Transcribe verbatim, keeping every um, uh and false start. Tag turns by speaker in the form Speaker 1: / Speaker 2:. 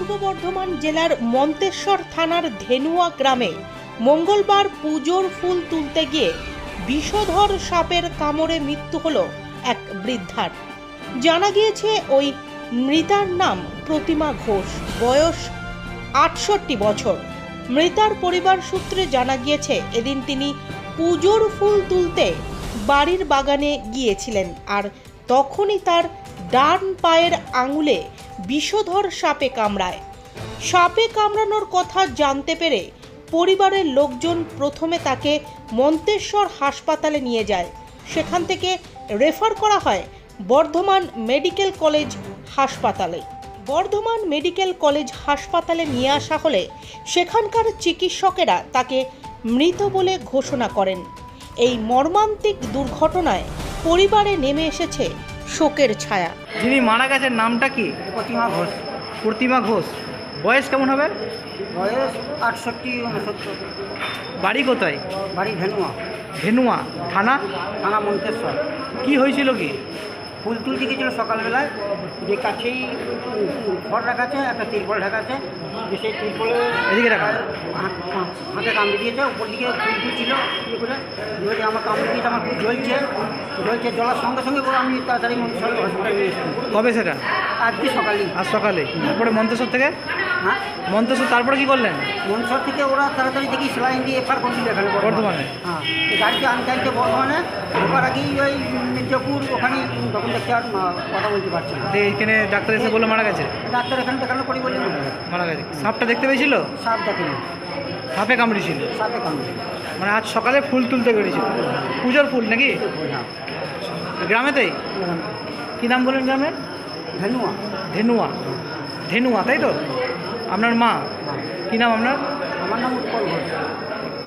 Speaker 1: পূর্ব বর্ধমান জেলার মন্তেশ্বর থানার ধেনুয়া গ্রামে মঙ্গলবার পুজোর ফুল তুলতে গিয়ে বিষধর সাপের কামড়ে মৃত্যু হলো এক বৃদ্ধার। জানা গিয়েছে ওই মৃতার নাম প্রতিমা ঘোষ, বয়স আটষট্টি বছর। মৃতার পরিবার সূত্রে জানা গিয়েছে এদিন তিনি পুজোর ফুল তুলতে বাড়ির বাগানে গিয়েছিলেন, আর তখনই তার ডান পায়ের আঙুলে বিষধর সাপে কামড়ায়। সাপে কামড়ানোর কথা জানতে পেরে পরিবারের লোকজন প্রথমে তাকে মন্তেশ্বর হাসপাতালে নিয়ে যায়। সেখান থেকে রেফার করা হয় বর্ধমান মেডিকেল কলেজ হাসপাতালে। বর্ধমান মেডিকেল কলেজ হাসপাতালে নিয়ে আসা হলে সেখানকার চিকিৎসকেরা তাকে মৃত বলে ঘোষণা করেন। এই মর্মান্তিক দুর্ঘটনায় পরিবারে নেমে এসেছে শোকের ছায়া।
Speaker 2: যিনি মারা গেছেন নামটা কি?
Speaker 3: প্রতিমা ঘোষ।
Speaker 2: প্রতিমা ঘোষ। বয়স কেমন হবে?
Speaker 3: বয়স আটষট্টি উনসত্তর।
Speaker 2: বাড়ি কোথায়?
Speaker 3: বাড়ি ধেনুয়া,
Speaker 2: ধেনুয়া থানা।
Speaker 3: থানা মন্তেশ্বর।
Speaker 2: কি হয়েছিল কি?
Speaker 3: ফুল তুলতে গিয়েছিল সকালবেলায়, যে কাছেই ঘর রাখা আছে, একটা তিরপল ঢাকা আছে, যে সেই তিরপলে
Speaker 2: এদিকে রাখা।
Speaker 3: হাতে কামড়ে দিয়েছে, উপর দিকে ফুল তুলছিল ইয়ে করে, যদি আমার কামড়ে দিয়েছে, আমার খুব জ্বলছে জ্বলছে জ্বলার সঙ্গে সঙ্গে করে আমি তাড়াতাড়ি মন্তেশ্বর হসপিটালে নিয়ে এসেছি।
Speaker 2: কবে সেটা?
Speaker 3: আজকে সকালেই।
Speaker 2: আজ সকালে। তারপরে মন্তেশ্বর থেকে?
Speaker 3: হ্যাঁ,
Speaker 2: মন্তেশ্বর তারপরে কি করলেন?
Speaker 3: মন্তেশ্বর থেকে ওরা তাড়াতাড়ি দেখি সেলাইন দিয়ে এফআর করছিল এখানে
Speaker 2: বর্ধমানে।
Speaker 3: হ্যাঁ, এই গাড়িতে আনতে আনতে বর্ধমানে ঢোকার আগেই ওই মির্জাপুর ওখানে তখন দেখতে আর কথা বলতে পারছে না।
Speaker 2: তো এইখানে ডাক্তার এসে বলে মারা গেছে?
Speaker 3: ডাক্তার এখানে দেখানো করি বলে
Speaker 2: মারা গেছে। সাপটা দেখতে পেয়েছিল?
Speaker 3: সাপ দেখেনি,
Speaker 2: সাপে কামড়েছিল।
Speaker 3: সাপে কামড়ে।
Speaker 2: মানে আজ সকালে ফুল তুলতে বেরিয়েছিল, পুজোর ফুল নাকি?
Speaker 3: হ্যাঁ,
Speaker 2: গ্রামেতেই? কী নাম বলেন গ্রামের?
Speaker 3: ধেনুয়া।
Speaker 2: ধেনুয়া। ধেনুয়া তাই তো? আপনার মা? কী নাম আপনার?
Speaker 3: আমার নাম উৎপল ঘোষ।